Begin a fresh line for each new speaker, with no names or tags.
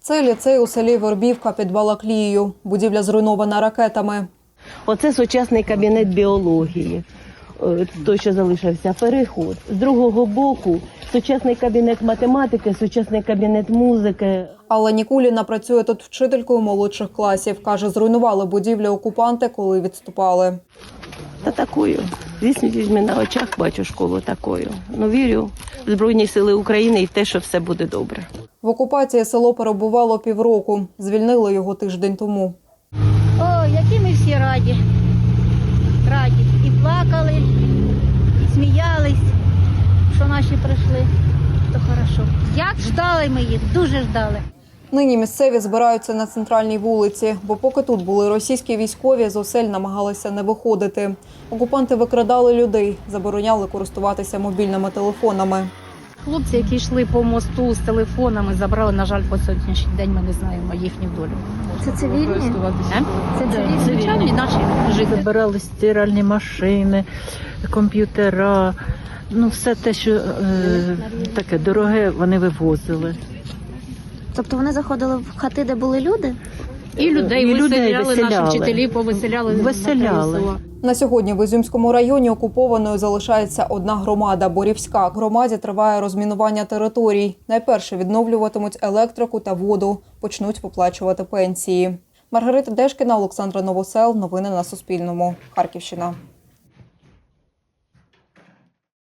Це ліцей у селі Вербівка під Балаклією. Будівля зруйнована ракетами.
Оце сучасний кабінет біології, той, що залишився, переход. З другого боку сучасний кабінет математики, сучасний кабінет музики.
Алла Нікуліна працює тут вчителькою молодших класів. Каже, зруйнували будівлю окупанти, коли відступали.
Та такою. Звісно, візьми на очах, бачу школу такою. Ну, вірю в Збройні Сили України і в те, що все буде добре.
В окупації село перебувало півроку. Звільнили його тиждень тому.
О, які ми всі раді. Раді. І плакали, і сміялись, що наші прийшли. То хорошо. Як ждали ми їх, дуже ждали.
Нині місцеві збираються на центральній вулиці, бо поки тут були російські військові, з осель намагалися не виходити. Окупанти викрадали людей, забороняли користуватися мобільними телефонами.
Хлопці, які йшли по мосту з телефонами, забрали, на жаль, по сьогоднішній день ми не знаємо їхню долю.
Це цивільні?
Це звичайні наші жителі.
Забирали стиральні машини, комп'ютера, ну все те, що таке дороге, вони вивозили.
Тобто вони заходили в хати, де були люди?
І людей виселяли, наші вчителі повиселяли.
Виселяли.
На сьогодні в Ізюмському районі окупованою залишається одна громада – Борівська. Громаді триває розмінування територій. Найперше відновлюватимуть електрику та воду, почнуть виплачувати пенсії. Маргарита Дешкіна, Олександра Новосел. Новини на Суспільному. Харківщина.